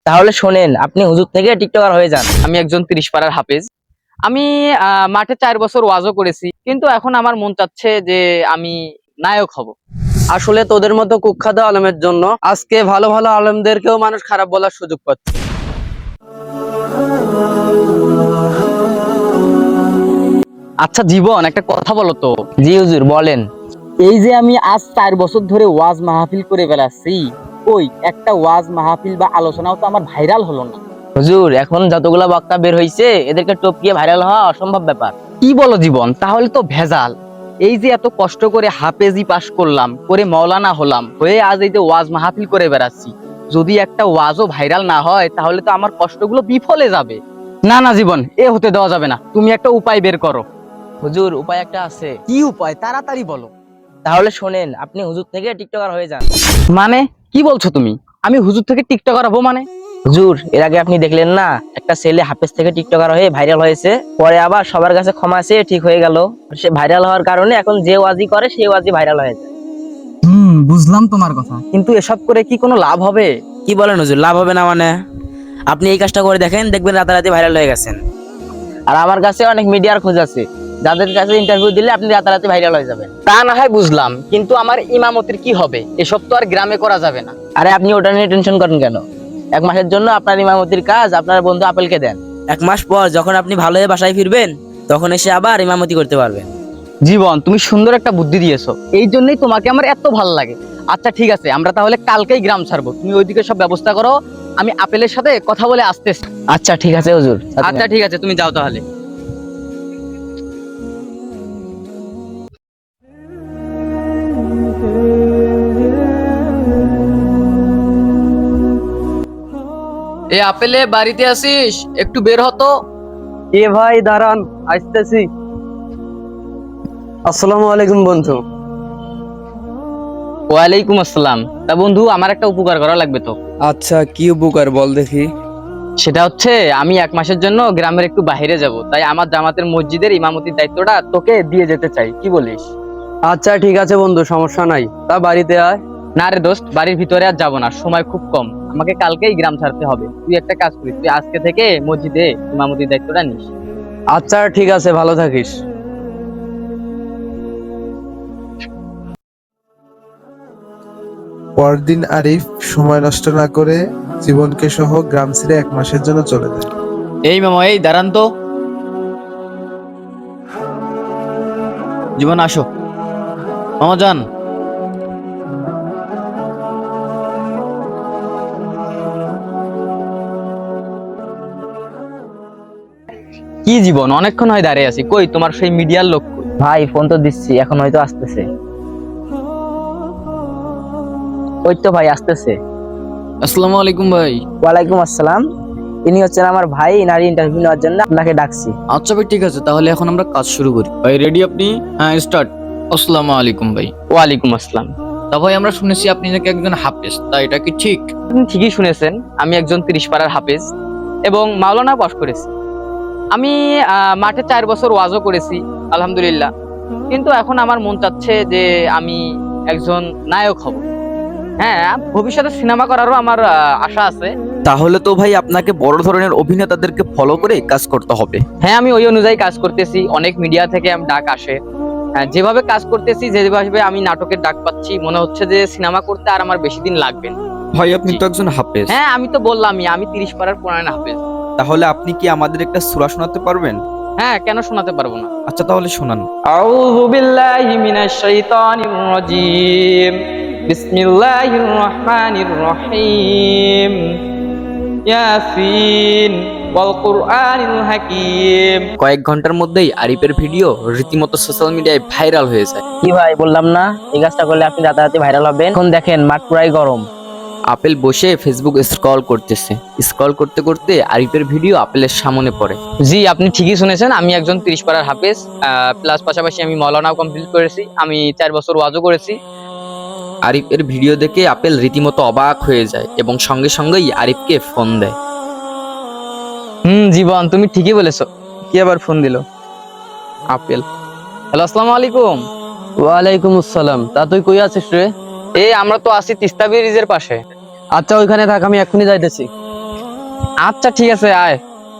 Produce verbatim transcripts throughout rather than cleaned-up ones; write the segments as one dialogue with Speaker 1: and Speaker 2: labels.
Speaker 1: তাহলে শোনেন, আপনি হুজুর থেকে টিকটকার হয়ে যান।
Speaker 2: আমি একজন তিরিশ পাড়ার হাফেজ। আমি আহ, মাঠে চার বছর ওয়াজও করেছি, কিন্তু এখন আমার মন চাচ্ছে যে আমি নায়ক হব।
Speaker 3: আসলে তোদের মতো কুখ্যাত আলেমের জন্য আজকে ভালো ভালো আলেমদেরকেও মানুষ খারাপ বলার সুযোগ পাচ্ছে।
Speaker 2: আচ্ছা জীবন, একটা কথা বলো তো।
Speaker 1: জি হুজুর, বলেন।
Speaker 2: এই যে আমি আজ চার বছর ধরে ওয়াজ মাহফিল করে বেড়াচ্ছি, ওই একটা ওয়াজ মাহফিল বা আলোচনাও তো আমার ভাইরাল হলো না।
Speaker 1: হুজুর, এখন যতগুলা বক্তা বের হইছে এদেরকে টপকিয়ে ভাইরাল হওয়া অসম্ভব ব্যাপার।
Speaker 2: কি বলো জীবন, তাহলে তো ভেজাল। এই যে এত কষ্ট করে হাফেজি পাশ করলাম, করে মাওলানা হলাম, হয়ে আজ এই যে ওয়াজ মাহফিল করে বেড়াচ্ছি, যদি একটা ওয়াজও ভাইরাল না হয় তাহলে তো আমার কষ্টগুলো বিফলে যাবে। না না জীবন, এ হতে দেওয়া যাবে না, তুমি একটা উপায় বের করো।
Speaker 1: হুজুর, উপায় একটা আছে।
Speaker 2: কি উপায়, তাড়াতাড়ি বলো।
Speaker 1: তাহলে শোনেন, আপনি হুজুর থেকে টিকটকার হয়ে যান।
Speaker 2: মানে কি বলছো তুমি? আমি হুজুর থেকে টিকটকার হবো মানে?
Speaker 1: হুজুর, এর আগে আপনি দেখলেন না, একটা ছেলে হাফেজ থেকে টিকটকার হয়ে ভাইরাল হয়েছে, পরে আবার সবার কাছে ক্ষমা চেয়ে ঠিক হয়ে গেল। সে ভাইরাল হওয়ার কারণে এখন যে ওয়াজি করে সেই ওয়াজি ভাইরাল হয়ে যায়।
Speaker 2: হুম, বুঝলাম তোমার কথা, কিন্তু এসব করে কি কোনো লাভ হবে?
Speaker 1: কি বলেন হুজুর, লাভ হবে না মানে? আপনি এই কাজটা করে দেখেন, দেখবেন রাতারাতি ভাইরাল হয়ে গেছেন। আর আমার কাছে অনেক মিডিয়ার খোঁজ আছে, যাদের কাছে ইন্টারভিউ দিলে আপনি রাতারাতি ভাইরাল হয়ে যাবেন।
Speaker 2: তা না হয় বুঝলাম, কিন্তু আমার ইমামতির কি হবে? এসব তো আর গ্রামে করা যাবে না।
Speaker 1: আরে আপনি ওটা নিয়ে টেনশন করেন কেন? এক মাসের জন্য আপনার ইমামতির কাজ আপনার বন্ধু আপেলকে দেন। এক মাস পর যখন আপনি ভালো হয়ে বাসায় ফিরবেন, তখন এসে আবার ইমামতি করতে পারবেন।
Speaker 2: জীবন, তুমি সুন্দর একটা বুদ্ধি দিয়েছো, এই জন্যই তোমাকে আমার এত ভালো লাগে। আচ্ছা ঠিক আছে, আমরা তাহলে কালকেই গ্রাম ছাড়বো, তুমি ওইদিকে সব ব্যবস্থা করো, আমি আপেলের সাথে কথা বলে আসতেছি।
Speaker 1: আচ্ছা ঠিক আছে হুজুর।
Speaker 2: আচ্ছা ঠিক আছে, তুমি যাও তাহলে। এ আপেলে, বাড়িতে আসিস? একটু বের হতো।
Speaker 3: এ ভাই দাঁড়ান, আসতেছি। আসসালামু আলাইকুম বন্ধু।
Speaker 2: ওয়ালাইকুম আসসালাম। তা বন্ধু, আমার একটা উপকার করা লাগবে তো।
Speaker 3: আচ্ছা, কি উপকার বল দেখি।
Speaker 2: সেটা হচ্ছে, আমি এক মাসের জন্য গ্রামের একটু বাইরে যাব, তাই আমার জামাতের মসজিদের ইমামতির দায়িত্বটা তোকে দিয়ে যেতে চাই, কি বলিস?
Speaker 3: আচ্ছা ঠিক আছে বন্ধু, সমস্যা নাই, তা বাড়িতে আয়।
Speaker 2: না রে দোস্ত, বাড়ির ভিতরে আর যাবো না, সময় খুব কম, আমাকে কালকেই গ্রাম ছাড়তে হবে। তুই একটা কাজ করিস, তুই আজকে থেকে মসজিদে ইমামতির দায়িত্বটা নিস।
Speaker 3: আচ্ছা ঠিক আছে, ভালো থাকিস।
Speaker 4: পরদিন আরিফ সময় নষ্ট না করে জীবনকে সহ গ্রাম ছেড়ে এক মাসের জন্য চলে যায়।
Speaker 2: এই মামা, এই দাঁড়ান তো। জীবন আসো মামা যান। কি জীবন, অনেকক্ষণ হয় দাঁড়িয়ে আছি, কই তোমার সেই মিডিয়ার লোক কই?
Speaker 1: ভাই ফোন তো দিচ্ছি, এখন হয়তো আসতেছে। ওই তো ভাই আসতেছে।
Speaker 2: আসসালামু আলাইকুম ভাই।
Speaker 1: ওয়ালাইকুম আসসালাম। ইনি হচ্ছেন আমার ভাই, নারী ইন্টারভিউ নেওয়ার জন্য আপনাকে ডাকছি।
Speaker 2: আচ্ছা ভাই, ঠিক আছে, তাহলে এখন আমরা কাজ শুরু করি। ভাই রেডি আপনি? হ্যাঁ, স্টার্ট। আসসালামু আলাইকুম ভাই। ওয়ালাইকুম আসসালাম। তা ভাই, আমরা শুনেছি আপনি নাকি একজন হাফেজ, তা এটা কি ঠিক? আপনি ঠিকই শুনেছেন, আমি একজন তিরিশ পাড়ার হাফেজ এবং মাওলানা পাশ করেছি। আমি আহ, মাঠে চার বছর ওয়াজও করেছি, আলহামদুলিল্লাহ, কিন্তু এখন আমার মন চাচ্ছে যে আমি একজন নায়ক হব। হ্যাঁ, ভবিষ্যতে সিনেমা করারও আমার আহ, আশা আছে।
Speaker 5: তাহলে তো ভাই আপনাকে বড় ধরনের অভিনেতাদেরকে ফলো করে কাজ করতে হবে।
Speaker 2: হ্যাঁ, আমি ওই অনুযায়ী কাজ করতেছি, অনেক মিডিয়া থেকে আমি ডাক আসে। হ্যাঁ, যেভাবে কাজ করতেছি, যেভাবে আমি নাটকের ডাক পাচ্ছি, মনে হচ্ছে যে সিনেমা করতে আর আমার বেশি দিন লাগবে না।
Speaker 5: ভাই আপনি তো একজন হাফেজ।
Speaker 2: হ্যাঁ, আমি তো বললামই, আমি তিরিশ পাড়ার পুরান হাফেজ।
Speaker 5: তাহলে আপনি কি আমাদের একটা সূরা শোনাতে পারবেন?
Speaker 2: হ্যাঁ, কেন শোনাতে পারবো না?
Speaker 5: আচ্ছা তাহলে শোনান।
Speaker 2: আউযু বিল্লাহি মিনাশ শাইতানির রাজীম। বিসমিল্লাহির রহমানির রহিম। ইয়াসিন ওয়াল কুরআনিল হাকীম।
Speaker 5: কয়েক ঘন্টার মধ্যেই আরিফের ভিডিও রীতিমতো সোশ্যাল মিডিয়ায় ভাইরাল হয়ে যায়।
Speaker 1: কি ভাই, বললাম না এই কাজটা করলে আপনি রাতারাতি ভাইরাল হবেন। এখন দেখেন মাঠ পুরাই গরম।
Speaker 5: আপেল বসে ফেসবুক স্ক্রল করতেছে, স্ক্রল করতে করতে আরিফের ভিডিও আপেলের সামনে পড়ে।
Speaker 2: জি, আপনি ঠিকই শুনেছেন, আমি একজন তিরিশ পাড়ার হাফেজ, প্লাস পাশাপাশি আমি মাওলানাও কমপ্লিট করেছি, আমি চার বছর ওয়াজও করেছি।
Speaker 5: আরিফের ভিডিও দেখে আপেল রীতিমতো অবাক হয়ে যায় এবং সঙ্গে সঙ্গেই আরিফকে ফোন দেয়।
Speaker 2: হুম জীবন, তুমি ঠিকই বলেছো। কি আবার ফোন দিল? আপেল। হ্যালো, আসসালামু আলাইকুম।
Speaker 3: ওয়ালাইকুম আসসালাম। তা তুই কই আছিস রে?
Speaker 2: এই আমরা তো আছি তিস্তা ব্রিজের পাশে।
Speaker 3: আচ্ছা ওইখানে থাক, আমি এক্ষুনি যাইতেছি।
Speaker 2: আচ্ছা ঠিক আছে, আয়।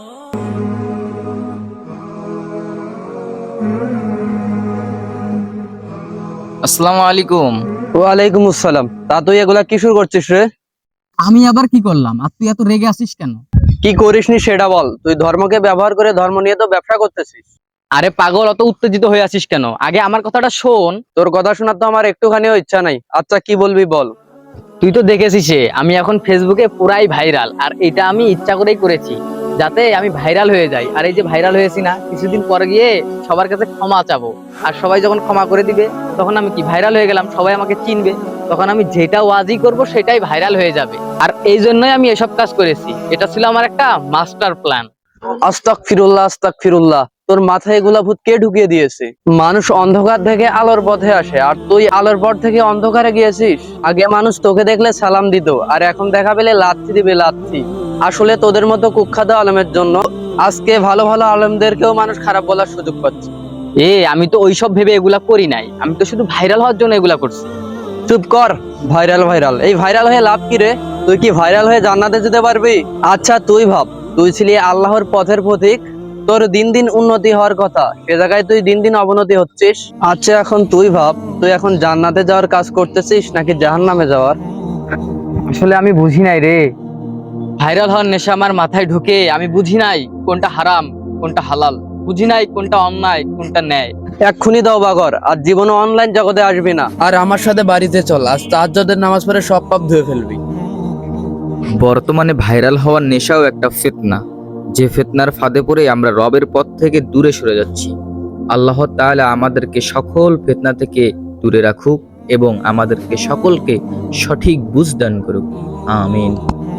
Speaker 2: আসসালামু আলাইকুম।
Speaker 3: ওয়ালাইকুম আসসালাম। তা তুই এগুলা কি শুরু করছিস রে?
Speaker 2: আমি আবার কি করলাম, আর তুই এত রেগে আছিস কেন?
Speaker 3: কি করিসনি সেটা বল। তুই ধর্মকে ব্যবহার করে ধর্ম নিয়ে তো ব্যবসা করতেছিস।
Speaker 2: আরে পাগল, অত উত্তেজিত হয়ে আছিস কেন? আগে আমার কথাটা শোন।
Speaker 3: তোর কথা শোনার তো আমার একটুখানিও ইচ্ছা নাই। আচ্ছা কি বলবি বল।
Speaker 2: তুই তো দেখেছিস আমি এখন ফেসবুকে পুরাই ভাইরাল, আর এটা আমি ইচ্ছা করেই করেছি যাতে আমি ভাইরাল হয়ে যাই। আর এই যে ভাইরাল হয়েছি না, কিছুদিন পরে গিয়ে সবার কাছে ক্ষমা চাবো, আর সবাই যখন ক্ষমা করে দিবে তখন আমি কি ভাইরাল হয়ে গেলাম, সবাই আমাকে চিনবে, তখন আমি যেটা ওয়াজি করব সেটাই ভাইরাল হয়ে যাবে। আর এই জন্যই আমি এসব কাজ করেছি। এটা ছিল আমার একটা মাস্টার প্ল্যান।
Speaker 3: আস্তাগফিরুল্লাহ আস্তাগফিরুল্লাহ। তোর মাথায় এগুলা ভূত কে ঢুকিয়ে দিয়েছে? মানুষ অন্ধকার থেকে আলোর পথে আসে, আর তুই আলোর পথ থেকে অন্ধকারে গিয়েছিস। আগে মানুষ তোকে দেখলে সালাম দিত, আর এখন দেখা পেলে লাথি দিবে লাথি। আসলে তোদের মতো কুখ্যাত আলেমের জন্য আজকে ভালো ভালো আলেমদেরকেও মানুষ খারাপ বলার সুযোগ পাচ্ছে।
Speaker 2: এ আমি তো ওইসব ভেবে এগুলা করি নাই, আমি তো শুধু ভাইরাল হওয়ার জন্য এগুলা করছি।
Speaker 3: চুপ কর। ভাইরাল ভাইরাল এই ভাইরাল হয়ে লাভ কি রে? তুই কি ভাইরাল হয়ে জান্নাতে যেতে পারবি? আচ্ছা তুই ভাব, তুই ছিলি আল্লাহর পথের পথিক, তোর দিন দিন উন্নতি হওয়ার কথা, সে জায়গায় তুই দিন দিন অবনতি হচ্ছিস। আচ্ছা এখন তুই ভাব, তুই এখন জান্নাতে যাওয়ার কাজ করতেছিস নাকি জাহান্নামে যাওয়ার?
Speaker 2: আসলে আমি বুঝি নাই রে, ভাইরাল হওয়ার নেশা আমার মাথায় ঢুকে আমি বুঝি নাই কোনটা হারাম কোনটা হালাল, বুঝি নাই কোনটা অন্যায় কোনটা ন্যায়।
Speaker 3: এক্ষুনি দাও বাগর, আর জীবনে অনলাইন জগতে আসবি না।
Speaker 1: আর আমার সাথে বাড়িতে চল, আজ তাহাজ্জুদের নামাজ পড়ে সব পাপ ধুয়ে ফেলবি।
Speaker 5: বর্তমানে ভাইরাল হওয়ার নেশাও একটা ফিতনা, যে ফিতনার ফাঁদে পড়ে আমরা রবের পথ থেকে দূরে সরে যাচ্ছি। আল্লাহ তাআলা আমাদেরকে সকল ফিতনা থেকে দূরে রাখুক এবং আমাদেরকে সকলকে সঠিক বুঝ দান করুক। আমিন।